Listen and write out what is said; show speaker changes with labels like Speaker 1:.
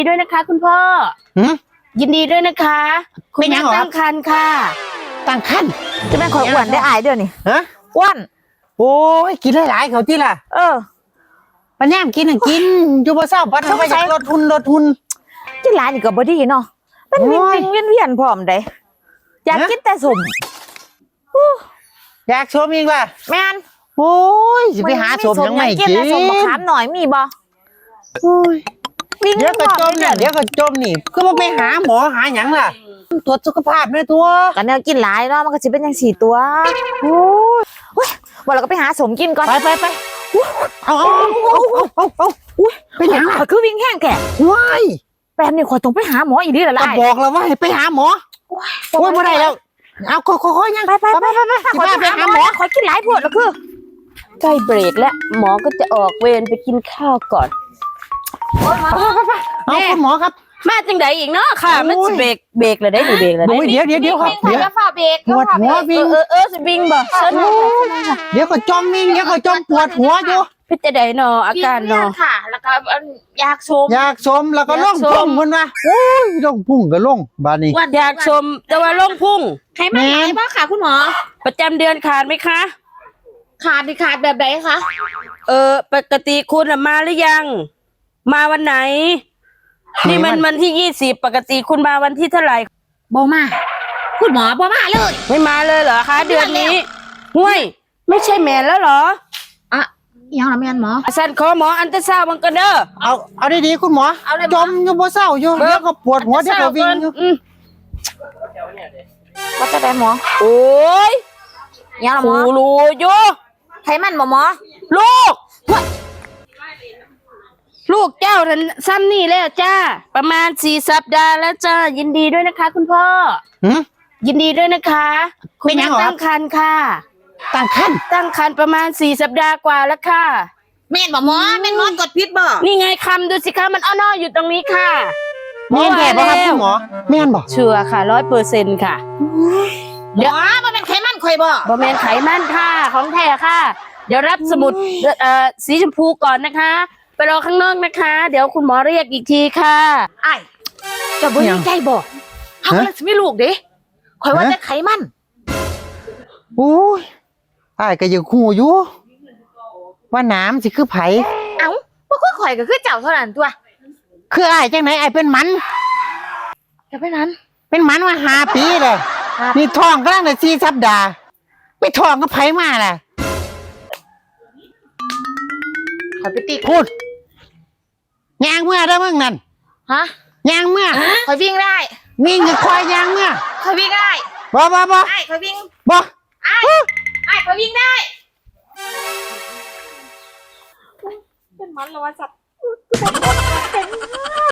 Speaker 1: ด้วยนะคะคุณพ่อยินดีด้วยนะคะคุณแม่ตั้งครรภ์ค่ะ
Speaker 2: ตั้งครรภ์
Speaker 3: จะแม่ขออ้วนได้อายเดี๋ยวนี้
Speaker 2: ฮะ
Speaker 3: อ้วน
Speaker 2: โอ้ยกินหลายๆเขาที่ล่ะปัญญามกินกินอยู่บ่เศร้าปัดไปลดทุน
Speaker 3: กินหลายนี่ก็บ่ดีเนาะมันเวียนพร้อมได้อยากกินแต่สม
Speaker 2: อยากชมอีกล่ะ
Speaker 3: แม่น
Speaker 2: โอ้ยสิไปหาสมยังไม่กิน
Speaker 3: สมบักขามหน่อยมีบ่
Speaker 2: เดี๋ยวก็จมเนี่ยเดี๋ยวก็จมนี่คือมันไปหาหมอหาหยังล่ะตรวจสุขภาพแม่ตัว
Speaker 3: กันเนี่ยกินหลายเนาะมันก็สิเป็นจัง4ตัวโอ้ยบ่เราก็ไปหาสมกินก่อน
Speaker 2: ไปเอา
Speaker 3: เป็นหยังคือวิ่งแห้งแก่
Speaker 2: ว้าย
Speaker 3: แปมนี่ขอต้องไปหาหมออีกทีละล่ะ
Speaker 2: บอกแล้วว่าให้ไปหาหมอโอ้ยบ่ได้แล้วเอาค่อยๆยัง
Speaker 3: ไปไปหาหมอขอกินหลายพวดแล้วคือ
Speaker 1: ใกล้เบรกแล้วหมอก็จะออกเวรไปกินข้าวก่อน
Speaker 2: เอาคุณหมอครับ
Speaker 1: มาจังไดอีกเนาะค่ะมันสิเบรกเลยได้เบรกเลยได้
Speaker 2: เดี๋ยวครับเดี๋ยว
Speaker 3: ฝ่าเบรก
Speaker 2: ปวดหัววิ่ง
Speaker 1: สิวิ่งบ่
Speaker 2: เดี๋ยวก็จมวิ่งเดี๋ยวก็จมปวดหัวอยู่
Speaker 1: พิจารณาเนาะอาการเนาะ
Speaker 3: ค่ะแล้วก็อยากชม
Speaker 2: แล้วก็ล่องพุ่งมันว่าโอ้ยล่องพุ่งก็ล่องบาดนี้
Speaker 1: อยากชมแต่ว่าล่องพุ่ง
Speaker 3: ใครมาไหนบ้างค่ะคุณหมอ
Speaker 1: ประจำเดือนขาดไหมคะ
Speaker 3: ขาดแบบไหนคะ
Speaker 1: ปกติคุณมาหรือยังมาวันไหนนี่มันวันที่20ปกติคุณมาวันที่เท่าไหร่
Speaker 3: บ่มาคุณหมอบ่มาเลย
Speaker 1: ไม่มาเลยเหรอคะเดือนนี้ห่วยไม่ใช่แมนแล้วเหรอ
Speaker 3: ยังละแมนหมอ
Speaker 1: สันขอหมออันตราซาวด์บังกันเด้อ
Speaker 2: เอาดีๆคุณหมอจมอยู่บ่เศร้าอยู่เดี๋ยวก็ปวดหัวเดี๋ยวก็วิ่งอยู่
Speaker 3: ว่าจะได้หมอ
Speaker 1: โอ้ย
Speaker 3: ยังละหมอ
Speaker 1: รู้อยู่
Speaker 3: ไขมันหมอ
Speaker 1: ลูกเจ้าท่านซ้ำนี่แล้วจ้าประมาณ4 สัปดาห์แล้วจ้ายินดีด้วยนะคะคุณพ่อยินดีด้วยนะคะคุณแม่ตั้งครรภ์ค่ะ
Speaker 2: ตั้งครรภ์
Speaker 1: ประมาณ4 สัปดาห์กว่าแล้วค่ะ
Speaker 3: แม่นบ่หมอกดพิษบ่
Speaker 1: นี่ไงคำดูสิคะมันอ้ออยู่ตรงนี้ค่ะ
Speaker 2: แม่นแก่ป่ะครับคุณหมอแม่นบ่
Speaker 1: เชื่อค่ะ100%ค่ะ
Speaker 3: เดี๋ยวมันเป็นไขมันข่อยบ่
Speaker 1: แม่นไขมันค่ะของแท้ค่ะเดี๋ยวรับสมุดสีชมพูก่อนนะคะไปรอข้างนอกนะคะเดี๋ยวคุณหมอเรียกอีกทีค่ะ
Speaker 3: ไอ้จะบ่ดีใจบ่เฮาเลยสิมีลูกเด้ข่อยว่าแต่ไขมัน
Speaker 2: โอ้ยอ้ายก็ยังฮู้อยู่ว่าน้ำสิคือไผ
Speaker 3: บ่คือข่อยก็คือเจ้าเท่านั้นตัว
Speaker 2: คืออ้ายจังไหนอ้ายเป็นมัน
Speaker 3: จะเป็นนั้น
Speaker 2: เป็นมันมา5 ปีแล้วนี่ท้องกำลังได้4 สัปดาห์ไปท้องกับไผมาล่ะ
Speaker 3: ข่อยไปติด
Speaker 2: พูดยางเมื่อได้เมื่อนั่นยางเมื่อ
Speaker 3: ข่อยวิ่งได้
Speaker 2: วิ่งจะคอยยางเมื่อ
Speaker 3: ข่อยวิ่งได้
Speaker 2: บ่
Speaker 3: ไอ้ข่อยวิ่ง
Speaker 2: บ่
Speaker 3: ไอ้ข่อยวิ่งได้เป็นมันแล้วว่าสัตว์